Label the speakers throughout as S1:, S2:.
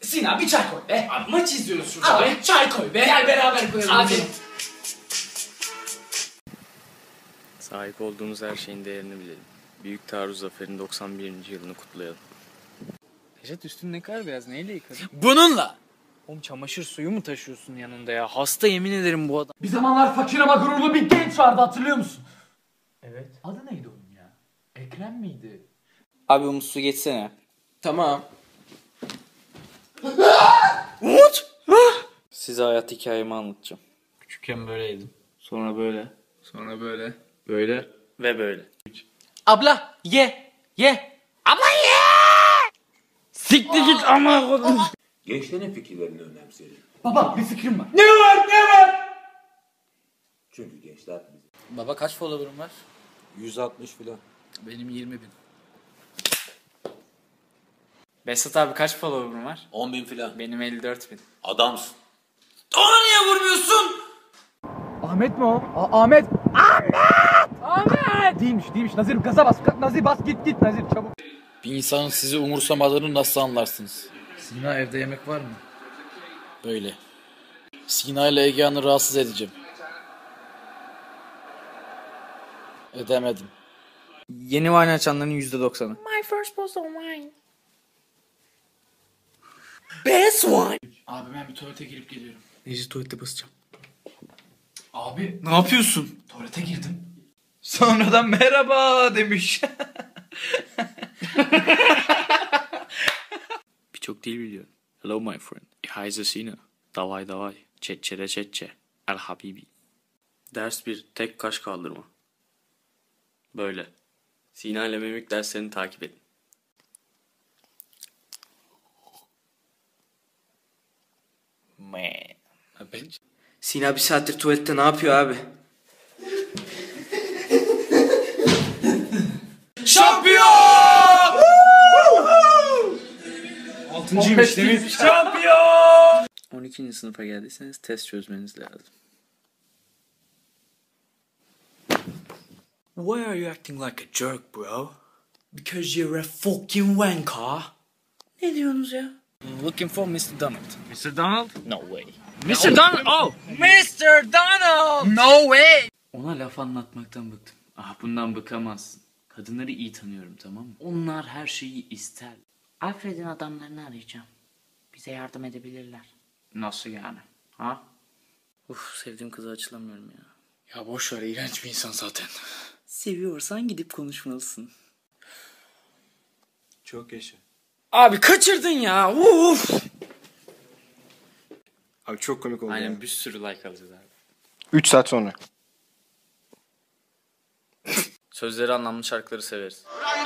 S1: Sinan bir çay koy be.
S2: Abi maç izliyoruz şurada.
S1: Abi çay koy be.
S2: Gel beraber koyalım.
S1: Abi.
S3: Sahip olduğumuz her şeyin değerini bilelim. Büyük Taarruz Zaferi'nin 91. yılını kutlayalım.
S4: Necdet üstün ne kadar beyaz, neyle yıkadın?
S3: Bununla!
S4: Oğlum çamaşır suyu mu taşıyorsun yanında ya? Hasta yemin ederim bu adam.
S1: Bir zamanlar fakir ama gururlu bir genç vardı, hatırlıyor musun?
S4: Evet.
S1: Adı neydi onun ya? Ekrem miydi?
S4: Abi Umut su geçsene.
S2: Tamam.
S4: Size hayat hikayemi anlatacağım.
S3: Küçükken böyleydim.
S4: Sonra böyle.
S3: Sonra böyle. Böyle. Ve böyle.
S1: Abla ye. Abla ye.
S4: Siktir git ama kodum.
S5: Gençlerin fikirlerini önemseyelim.
S1: Baba bir fikrim var.
S2: Ne var?
S5: Çünkü gençler bizim.
S4: Baba kaç follower'ın var?
S5: 160 filan.
S4: Benim 20.000. Besat abi kaç follower'ın var?
S5: 10.000 filan.
S4: Benim 54.000.
S5: Adamsın.
S2: Ona niye vurmuyorsun?
S1: Ahmet mi o? Ahmet. Ahmet. Değilmiş. Nazir gaza bas. Nazir bas git Nazir çabuk.
S6: Bir insanın sizi umursamadığını nasıl anlarsınız?
S4: Sina evde yemek var mı?
S6: Böyle. Sina ile Egehan'ı rahatsız edeceğim. Edemedim.
S4: Yeni wine açanların %90'ı.
S7: My first bottle of wine.
S2: Best one.
S1: Abi ben bir tuvalete girip geliyorum.
S4: Necdet tuvalete basacağım.
S1: Abi
S4: Ne yapıyorsun?
S1: tuvalete girdim.
S4: Sonradan merhaba demiş.
S3: Birçok dil biliyor. Hello my friend. Ich heiße Sina. Davay. Çetçe. El habibi. Ders 1. Tek kaş kaldırma. Böyle. Sina ile mimik derslerini takip edin.
S2: Sina bir saattir tuvalette ne yapıyor abi? Şampiyon!
S4: 6.'ymış değil mi?
S2: Şampiyon!
S3: 12. sınıfa geldiyseniz test çözmeniz lazım.
S2: Why are you acting like a jerk, bro? Because you're a fucking wanker. Ne diyorsunuz ya?
S4: Looking for Mr. Donald.
S3: Mr. Donald?
S4: No way.
S3: Mr. Donald! Oh!
S2: Mr. Donald!
S4: No way!
S3: Ona laf anlatmaktan bıktım. Bundan bıkamazsın. Kadınları iyi tanıyorum, tamam mı? Onlar her şeyi ister.
S7: Alfred'in adamlarını arayacağım. Bize yardım edebilirler.
S3: Nasıl yani? Ha? Sevdiğim kıza açılamıyorum ya.
S6: Ya boş ver, iğrenç bir insan zaten.
S3: Seviyorsan gidip konuşmalısın.
S5: Çok yaşa.
S2: Abi kaçırdın ya. Uf.
S8: Abi çok komik oldu
S3: Aynen
S8: ya.
S3: bir sürü like alacağız abi.
S8: 3 saat sonra.
S3: Sözleri anlamlı şarkıları severiz.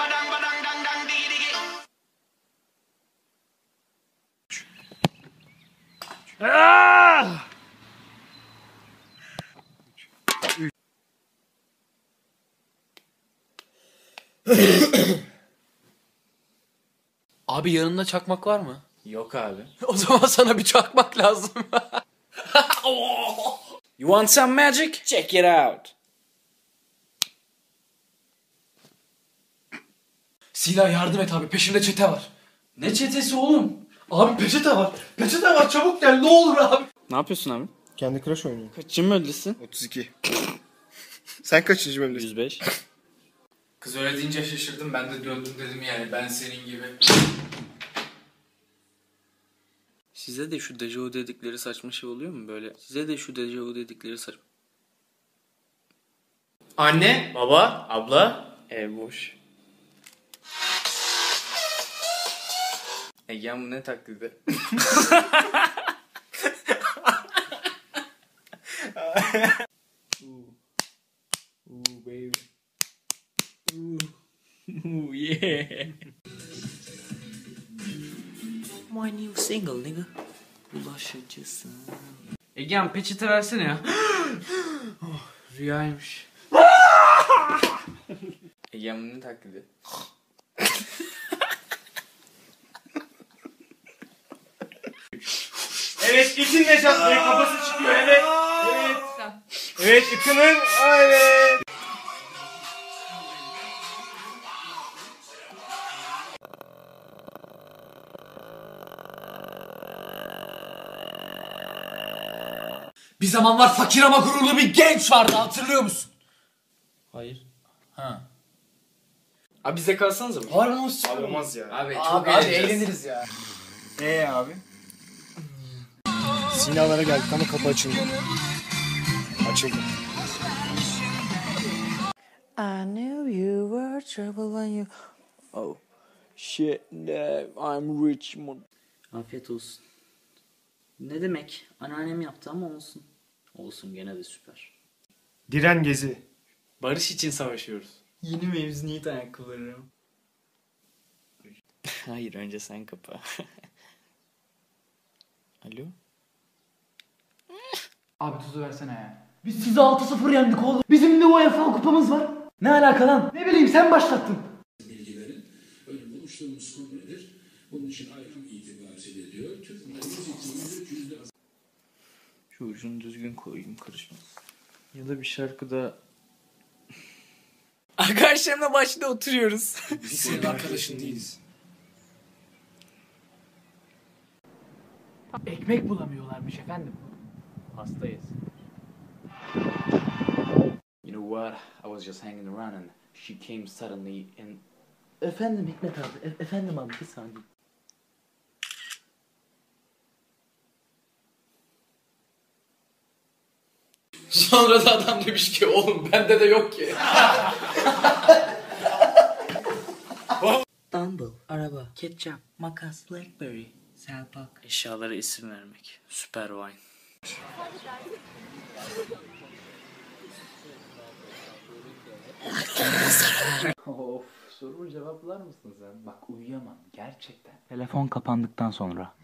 S1: Abi yanında çakmak var mı?
S3: Yok abi.
S1: O zaman sana bir çakmak lazım.
S2: You want some magic? Check it out.
S1: Sina yardım et abi, peşimde çete var.
S2: Ne çetesi oğlum?
S1: Abi peçete var. Peçete var, çabuk gel ne olur abi.
S3: Ne yapıyorsun abi?
S8: Kendi Crush oynuyor.
S3: Kaçıncı bölgesin?
S8: 32. Sen kaçıncı bölümdesin?
S3: 105.
S4: Kız öyle deyince şaşırdım, ben de döndüm dedim yani ben senin gibi.
S3: Size de şu dejavu dedikleri saçma şey oluyor mu böyle? Size de şu dejavu dedikleri saçma...
S2: Anne, baba, abla.
S3: Ev boş. Egehan bu ne taklidi?
S2: Yeah. My new single nigga.
S3: Bulaşıcısın.
S4: Egehan peçete versene ya. Rüyaymış.
S3: Egehan bu ne taklidi?
S2: Evet, itin Necat'la kafası çıkıyor. Evet. Evet, itinin. Evet.
S1: Bir zamanlar fakir ama gururlu bir genç vardı, hatırlıyor musun?
S3: Hayır.
S4: Abi bize kalsanıza mı?
S1: Harbi nasıl?
S8: Abi olmaz ya.
S4: Abi çok
S1: Abi hadi
S4: eğleneceğiz.
S1: eğleniriz ya.
S8: Abi? Sinalara geldik ama kapı açıldı. Açıldı.
S2: I knew you were trouble when you... Oh shit, no, I'm Richmond. Afiyet olsun. Ne demek? Anneannem yaptı ama olsun. Olsun, gene de süper.
S8: Diren Gezi.
S4: Barış için savaşıyoruz.
S2: Yeni mevzuniyet ayakkabıları. Hayır, önce sen kapa. Alo?
S1: Abi tuzu versene ya. Biz sizi 6-0 yendik oğlum. Bizim de UEFA kupamız var. Ne alaka lan? Ne bileyim, sen başlattın.
S3: Şu ucunu düzgün koyayım, karışmaz. Ya da bir şarkıda... Arkadaşlarımla başta oturuyoruz.
S8: Biz senin arkadaşın değiliz.
S1: Ekmek bulamıyorlarmış efendim.
S6: Hastayız. You know what? I was just hanging around and she came suddenly and...
S2: Efendim Hikmet abi, efendim abi, bir saniye.
S4: Sonra da adam demiş ki oğlum bende de yok ki.
S2: Dumble, araba, ketçap, makas, blackberry, selpak.
S3: Eşyalara isim vermek. Süper wine.
S6: Of, sorumu cevaplar mısın sen? Bak uyuyamam gerçekten. Telefon kapandıktan sonra.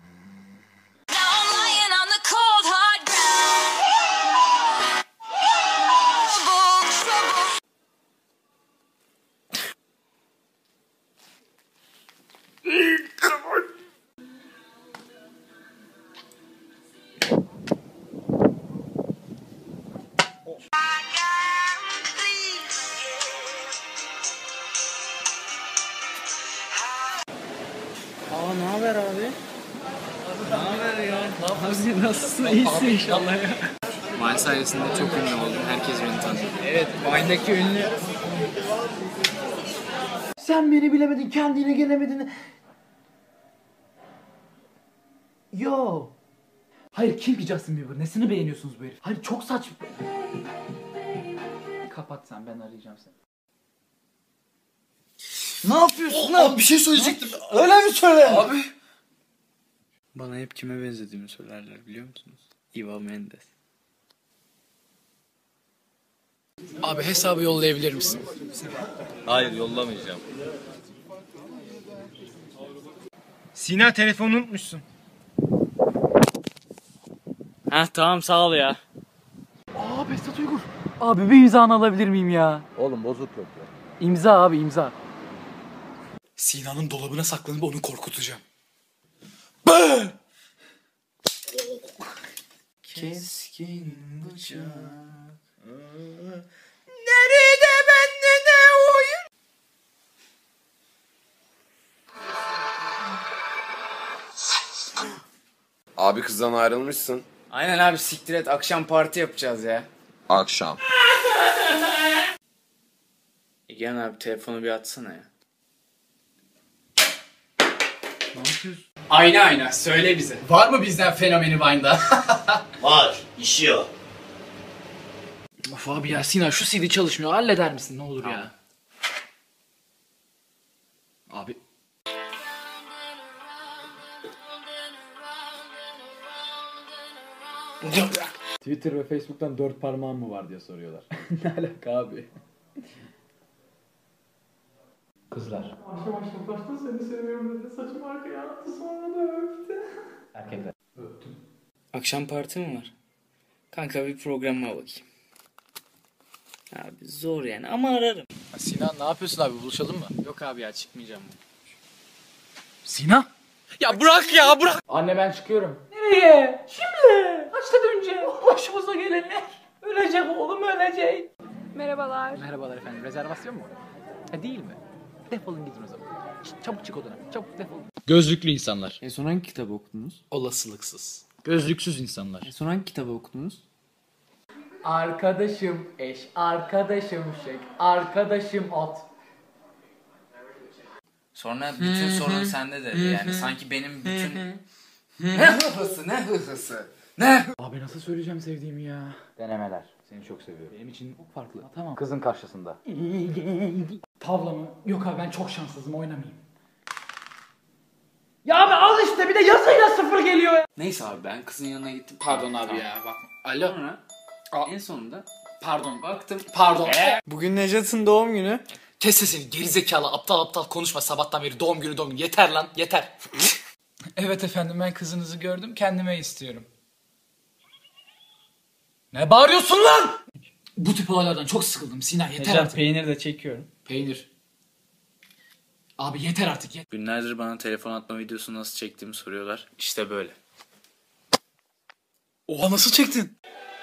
S2: Aa, ne haber abi? Ne haber ya? Abi nasılsın? İyisin inşallah ya.
S3: Wine sayesinde çok ünlü oldum. Herkes beni tanıyor.
S1: Evet, Vine'daki ünlü. Sen beni bilemedin, kendine gelemedin. Yo. Hayır, kim ki Justin Bieber? Nesini beğeniyorsunuz bu herif? Hayır, çok saçma. Kapat sen, ben arayacağım seni.
S2: Ne yapıyorsun?
S8: Abi bir şey söyleyecektim.
S2: Öyle mi söyle?
S8: Abi.
S3: Bana hep kime benzediğimi söylerler, biliyor musunuz? Eva Mendes.
S1: Abi hesabı yollayabilir misin?
S5: Hayır, yollamayacağım.
S8: Sina, telefonu unutmuşsun.
S3: Heh, tamam, sağ ol ya.
S1: Aa, Behzat Uygur. Abi bir imzanı alabilir miyim ya?
S5: Oğlum bozuk yok ya.
S1: İmza abi, imza.
S2: Sinan'ın dolabına saklanıp onu korkutacağım. Keskin bıçak. Nerede bende ne oyun?
S9: Abi kızdan ayrılmışsın.
S3: Aynen abi, siktir et, akşam parti yapacağız ya.
S9: Akşam.
S3: Egen abi, telefonu bir atsana ya.
S4: Ayna ayna söyle bize. Var mı bizden fenomeni Vine'da?
S10: Var, işiyor.
S1: Of abi ya, Sinan şu CD çalışmıyor. Halleder misin ne olur ya? Abi.
S6: Twitter ve Facebook'tan 4 parmağın mı var diye soruyorlar. Ne alaka abi? Kızlar.
S1: Başta seni seviyorum dedi. Saçımı arkaya attı, sonra da öptü.
S6: Erkekler.
S3: Akşam parti mi var? Kanka bir programa bakayım. Abi zor yani ama ararım.
S6: Sinan ne yapıyorsun abi, buluşalım mı?
S3: Yok abi ya, çıkmayacağım.
S1: Sinan.
S3: Ya bırak ya, bırak.
S6: Anne ben çıkıyorum.
S1: Nereye? Şimdi. Kaçtan önce? Başımıza gelenler. Ölecek oğlum, ölecek.
S11: Merhabalar.
S6: Merhabalar efendim, rezervasyon mu? Ha, değil mi? Defolun gidin o zaman. Çabuk çık odana, çabuk defolun. Gözlüklü insanlar.
S3: En son hangi kitabı okudunuz?
S6: Olasılıksız. Gözlüksüz insanlar.
S3: En son hangi kitabı okudunuz?
S6: Arkadaşım eş, arkadaşım şek, arkadaşım ot.
S4: Sonra bütün sorun sende dedi. Yani sanki benim bütün... Ne hıhısı, ne hıhısı. Ne?
S6: Abi nasıl söyleyeceğim sevdiğimi ya? Denemeler. Seni çok seviyorum. Benim için çok farklı. Tamam. Kızın karşısında. Tavla mı? Yok abi ben çok şanssızım, oynamayayım. Ya abi al işte, bir de yazıyla 0 geliyor ya.
S4: Neyse abi ben kızın yanına gittim.
S6: Pardon abi ya bak. Alo.
S4: Sonra en sonunda
S6: Pardon.
S4: baktım.
S6: Pardon.
S4: Bugün Necat'ın doğum günü.
S1: Kes sesini gerizekalı, aptal aptal konuşma sabahtan beri, doğum günü doğum günü. Yeter lan, yeter.
S6: Evet efendim, ben kızınızı gördüm, kendime istiyorum. Ne bağırıyorsun lan? Bu tip olaylardan çok sıkıldım Sinan, yeter artık.
S4: Peynir de çekiyorum.
S6: Peynir. Abi yeter artık.
S3: Günlerdir bana telefon atma videosu nasıl çektiğimi soruyorlar. İşte böyle.
S1: Oha, nasıl çektin?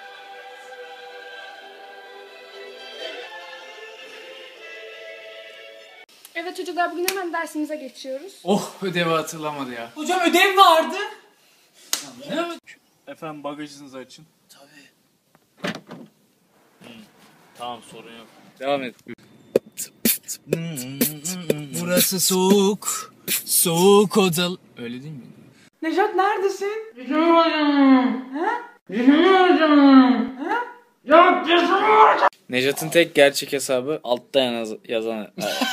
S11: Evet çocuklar, bugün hemen dersimize geçiyoruz.
S4: Oh, ödevi hatırlamadı ya.
S6: Hocam ödev vardı.
S3: Efendim bagajınızı açın. Tamam, sorun yok. Devam et.
S6: Burası soğuk. Soğuk odalı.
S4: Öyle değil mi?
S6: Nejat neredesin?
S3: Necat'ın tek gerçek hesabı altta yazan.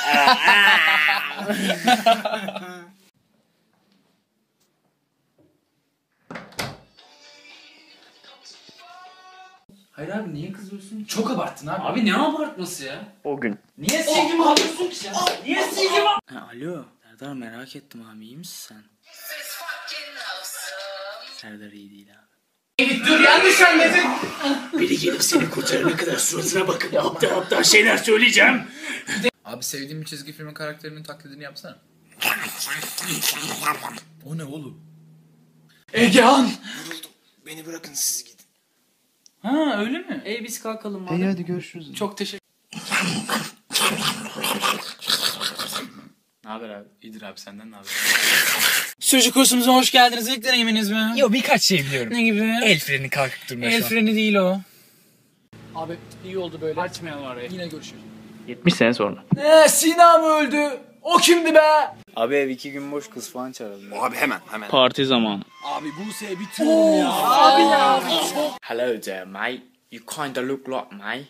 S4: Hayır abi, niye kızıyorsun?
S6: Çok abarttın abi.
S4: Abi ne abartması ya?
S3: O gün.
S6: Niye silgimi alıyorsun ki sen? Niye silgimi
S3: Alo. Serdar, merak ettim abi, iyi misin sen? Serdar iyi değil abi.
S6: Dur, yanlış anladın.
S10: Biri gelip seni kurtarana kadar suratına bakıp aptal şeyler söyleyeceğim.
S4: Abi sevdiğim bir çizgi filmin karakterinin taklidini yapsana. O ne oğlum?
S6: Egehan.
S10: Beni bırakın siz gidin.
S6: Ha öyle mi?
S4: Biz kalkalım madem.
S6: Hadi görüşürüz.
S4: Çok teşekkür.
S3: Ne haber abi?
S4: İyidir abi, senden ne haber?
S6: Sürücü kursumuza hoş geldiniz. İlk deneyiminiz mi?
S4: Yo, birkaç şey biliyorum.
S6: Ne gibi?
S4: El freni kalkıp durmuyor
S6: El
S4: şu an.
S6: freni değil o. Abi iyi oldu böyle.
S4: Açmayalım arayı.
S6: Yine görüşürüz.
S3: 70 sene sonra.
S6: Ne, Sina mı öldü? O kimdi be?
S3: Abi ev 2 gün boş, kız falan çağırdı.
S9: Abi hemen.
S3: Parti zamanı.
S6: Abi Buse'ye bitiriyorum ya. Abi ya.
S3: Hello there mate. You kinda look like me.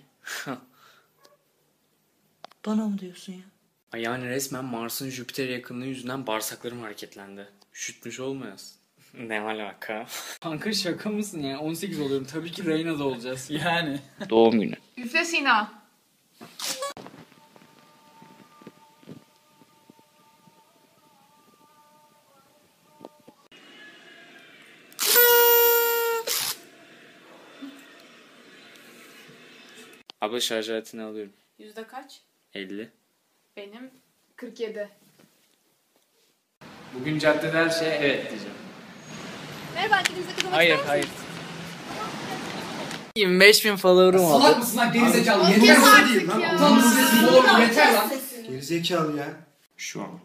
S2: Bana mı diyorsun ya?
S3: Ay yani resmen Mars'ın Jüpiter yakınlığı yüzünden bağırsaklarım hareketlendi. Üşütmüş olmayasın. Ne alaka?
S4: Kanka şaka mısın ya? 18 oluyorum. Tabii ki Reyna'da olacağız.
S6: Yani.
S3: Doğum günü.
S11: Üfle Sina.
S3: Abla şarj aletini alıyorum.
S11: Yüzde kaç?
S3: 50.
S11: Benim 47.
S4: Bugün caddede her şeye evet diyeceğim.
S11: Merhaba, kendinize katılmak
S4: Hayır,
S11: ister misiniz?
S4: hayır. 25.000 follower'ım oldu.
S6: Salak mısın lan gerizekalı?
S11: Kes
S6: Yeter
S11: artık ya.
S6: Utanmışsın oğlum, yeter lan.
S10: Gerizekalı ya.
S3: Şu an.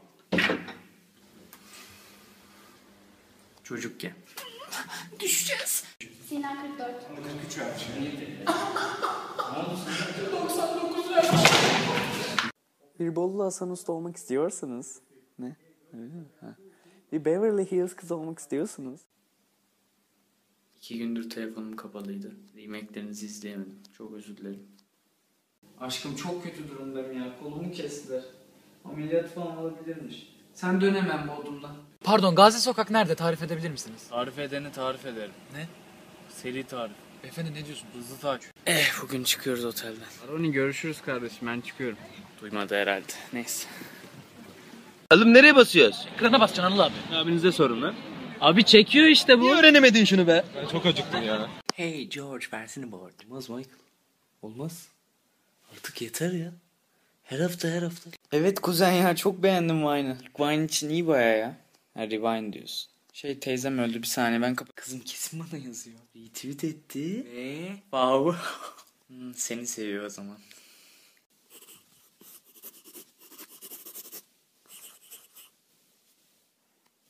S3: Çocukken.
S11: Düşeceğiz. Sina 44.
S2: Bir Bolu Hasan Usta olmak istiyorsanız. Ne? Öyle mi? Ha. Bir Beverly Hills kız olmak istiyorsunuz.
S3: 2 gündür telefonum kapalıydı. Remeklerinizi izleyemedim. Çok özür dilerim.
S4: Aşkım çok kötü durumdayım ya. Kolumu kestiler. Ameliyat falan olabilirmiş. Sen dön hemen Bodrum'dan.
S6: Pardon, Gazi Sokak nerede? Tarif edebilir misiniz?
S3: Tarif edeni tarif ederim.
S6: Ne?
S3: Seri tarif.
S6: Efendim ne diyorsun?
S3: Hızlı takip. Bugün çıkıyoruz otelden.
S4: Aroni görüşürüz kardeşim, ben çıkıyorum.
S3: Duymadı herhalde. Neyse.
S5: Oğlum nereye basıyoruz?
S6: Ekrana basacaksın Anıl abi.
S5: Abinize sorun lan.
S4: Abi çekiyor işte bu.
S5: Niye öğrenemedin şunu be? Ben çok acıktım ya.
S2: Hey George, versene bu arada. Olmaz Michael. Olmaz. Artık yeter ya. Her hafta.
S3: Evet kuzen ya, çok beğendim Vine'ı. Vine için iyi baya ya. Ha, Rewind diyorsun. Teyzem öldü, bir saniye ben Kızım kesin bana yazıyor. Retweet etti. Wow. Seni seviyor o zaman.